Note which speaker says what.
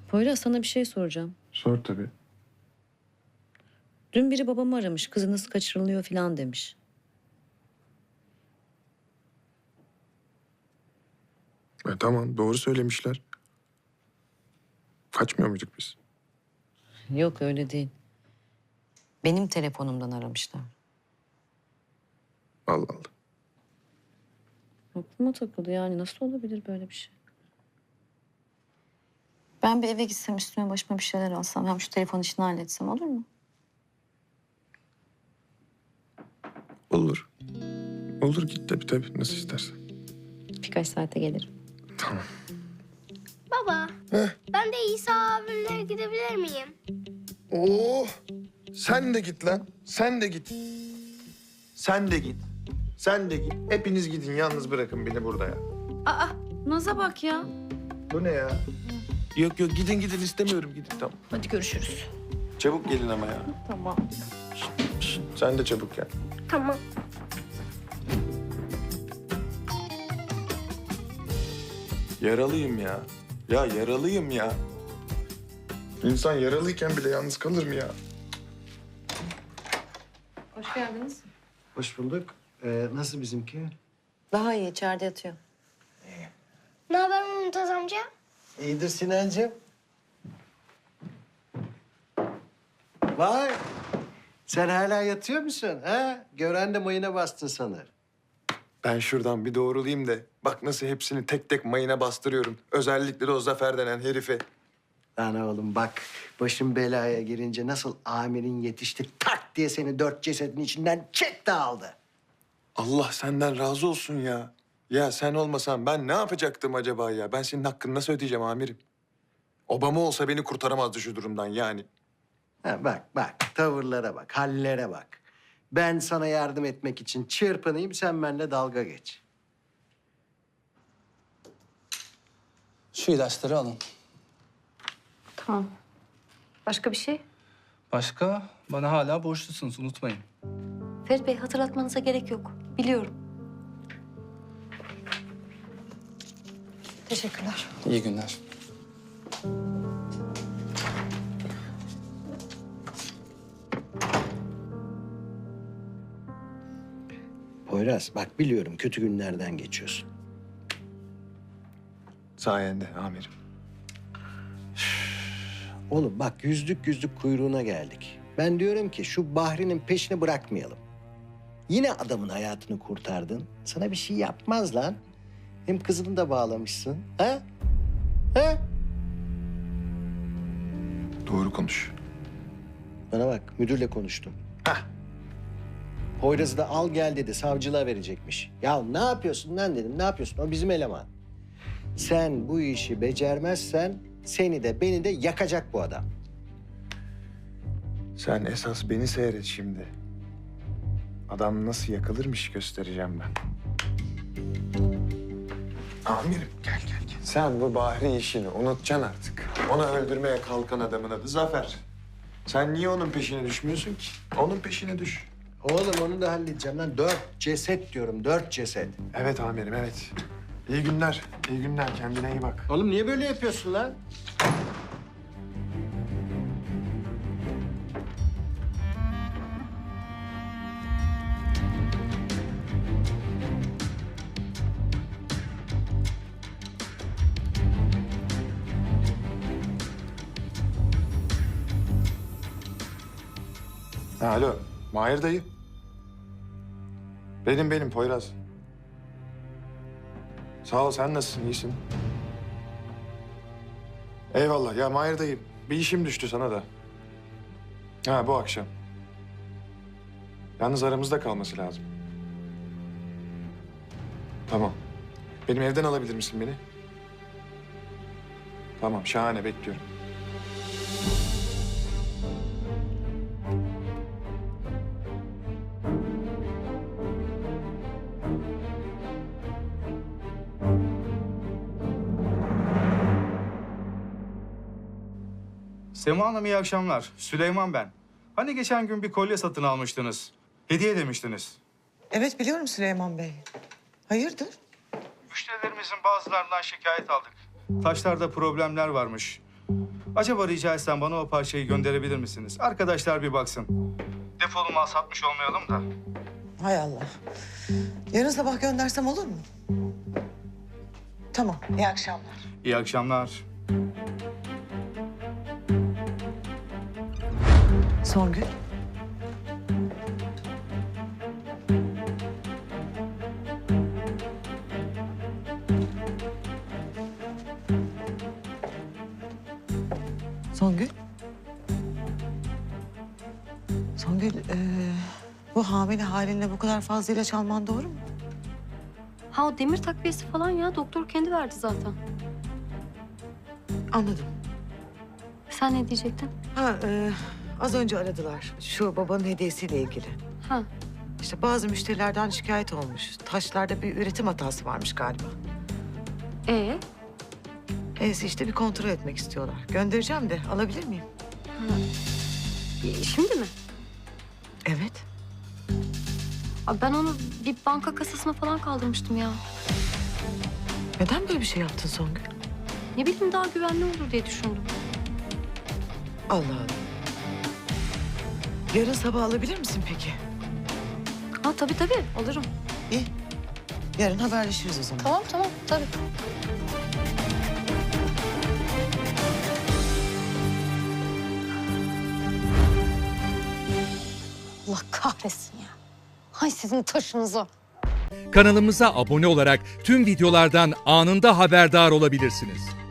Speaker 1: Poyraz, sana bir şey soracağım.
Speaker 2: Sor tabii.
Speaker 1: Dün biri babamı aramış, kızınız kaçırılıyor falan demiş.
Speaker 2: Tamam, doğru söylemişler. Kaçmıyor muyduk biz?
Speaker 1: Yok, öyle değil. Benim telefonumdan aramışlar.
Speaker 2: Allah Allah.
Speaker 1: Aklıma takıldı, yani nasıl olabilir böyle bir şey? Ben bir eve gitsem, üstüme başıma bir şeyler alsam, hem şu telefon işini halletsem olur mu?
Speaker 2: Olur. Olur, git tabii nasıl istersen.
Speaker 1: Birkaç saate gelirim.
Speaker 2: Tamam.
Speaker 3: Baba, ben de İsa abimle gidebilir miyim?
Speaker 2: Oo, sen de git lan. Sen de git. Sen de git. Sen de git. Hepiniz gidin. Yalnız bırakın beni burada ya.
Speaker 1: Aa, Naz'a bak ya.
Speaker 2: Bu ne ya? Yok gidin istemiyorum gidin tamam.
Speaker 1: Hadi görüşürüz.
Speaker 2: Çabuk gelin ama ya.
Speaker 1: Tamam.
Speaker 2: Şşt, sen de çabuk gel.
Speaker 3: Tamam.
Speaker 2: Yaralıyım ya. Ya yaralıyım ya. İnsan yaralıyken bile yalnız kalır mı ya?
Speaker 1: Hoş geldiniz.
Speaker 4: Hoş bulduk. Nasıl bizimki?
Speaker 1: Daha iyi, içeride yatıyor.
Speaker 3: Ne haber Mümtaz amca?
Speaker 4: İyidir Sinancığım. Vay! Sen hala yatıyor musun? Ha? Gören de mayına bastın sanır.
Speaker 2: Ben şuradan bir doğrulayayım da bak nasıl hepsini tek tek mayına bastırıyorum. Özellikle de o Zafer denen herife.
Speaker 4: Lan oğlum bak, başın belaya girince nasıl amirin yetişti tak diye seni 4 cesedin içinden çekti aldı.
Speaker 2: Allah senden razı olsun ya. Ya sen olmasan ben ne yapacaktım acaba ya? Ben senin hakkını nasıl ödeyeceğim amirim? Obama olsa beni kurtaramazdı şu durumdan yani.
Speaker 4: Ha, bak, tavırlara bak, hallere bak. Ben sana yardım etmek için çırpınayım, sen benimle dalga geç.
Speaker 5: Şu ilaçları alın.
Speaker 1: Tamam. Başka bir şey?
Speaker 5: Başka? Bana hala borçlusunuz, unutmayın.
Speaker 6: Ferit Bey, hatırlatmanıza gerek yok. Biliyorum. Teşekkürler.
Speaker 5: İyi günler.
Speaker 4: Poyraz, bak biliyorum kötü günlerden geçiyorsun.
Speaker 2: Sayende amirim.
Speaker 4: Oğlum bak yüzlük kuyruğuna geldik. Ben diyorum ki şu Bahri'nin peşini bırakmayalım. Yine adamın hayatını kurtardın. Sana bir şey yapmaz lan. Hem kızını da bağlamışsın. Ha? Ha?
Speaker 2: Doğru konuş.
Speaker 4: Bana bak müdürle konuştum.
Speaker 2: Hah.
Speaker 4: Poyraz'ı da al gel dedi. Savcılığa verecekmiş. Ya ne yapıyorsun lan dedim. Ne yapıyorsun? O bizim eleman. Sen bu işi becermezsen seni de beni de yakacak bu adam.
Speaker 2: Sen esas beni seyret şimdi. Adam nasıl yakılırmış göstereceğim ben. Amirim gel. Sen bu Bahri işini unutacaksın artık. Onu öldürmeye kalkan adamın adı Zafer. Sen niye onun peşine düşmüyorsun ki? Onun peşine düş.
Speaker 4: Oğlum onu da halledeceğim lan. 4 ceset diyorum. 4 ceset.
Speaker 2: Evet amirim evet. İyi günler. İyi günler. Kendine iyi bak.
Speaker 4: Oğlum niye böyle yapıyorsun lan?
Speaker 2: Alo. Mahir dayı. Benim Poyraz. Sağ ol, sen nasılsın? İyisin. Eyvallah. Ya Mahir dayı, bir işim düştü sana da. Ha, bu akşam. Yalnız aramızda kalması lazım. Tamam. Benim evden alabilir misin beni? Tamam, şahane. Bekliyorum.
Speaker 7: Sema Hanım iyi akşamlar. Süleyman ben. Hani geçen gün bir kolye satın almıştınız. Hediye demiştiniz.
Speaker 8: Evet biliyorum Süleyman Bey. Hayırdır?
Speaker 7: Müşterilerimizin bazılarından şikayet aldık. Taşlarda problemler varmış. Acaba rica etsem bana o parçayı gönderebilir misiniz? Arkadaşlar bir baksın. Defolu mal satmış olmayalım da.
Speaker 8: Hay Allah. Yarın sabah göndersem olur mu? Tamam, iyi akşamlar.
Speaker 7: İyi akşamlar.
Speaker 8: Songül. Songül. Songül, bu hamile halinle bu kadar fazla ilaç alman doğru mu?
Speaker 6: Ha o demir takviyesi falan ya. Doktor kendi verdi zaten.
Speaker 8: Anladım.
Speaker 6: Sen ne diyecektin?
Speaker 8: Ha, az önce aradılar. Şu babanın hediyesiyle ilgili.
Speaker 6: Ha.
Speaker 8: İşte bazı müşterilerden şikayet olmuş. Taşlarda bir üretim hatası varmış galiba. Neyse işte bir kontrol etmek istiyorlar. Göndereceğim de alabilir miyim?
Speaker 6: Şimdi mi?
Speaker 8: Evet.
Speaker 6: Abi ben onu bir banka kasasına falan kaldırmıştım ya.
Speaker 8: Neden böyle bir şey yaptın Songül?
Speaker 6: Ne bileyim daha güvenli olur diye düşündüm.
Speaker 8: Allah Allah. Yarın sabah alabilir misin peki?
Speaker 6: Ha tabii alırım.
Speaker 8: İyi. Yarın haberleşiriz o zaman.
Speaker 6: Tamam tabii. Allah kahretsin ya. Hay sizin taşınıza.
Speaker 9: Kanalımıza abone olarak tüm videolardan anında haberdar olabilirsiniz.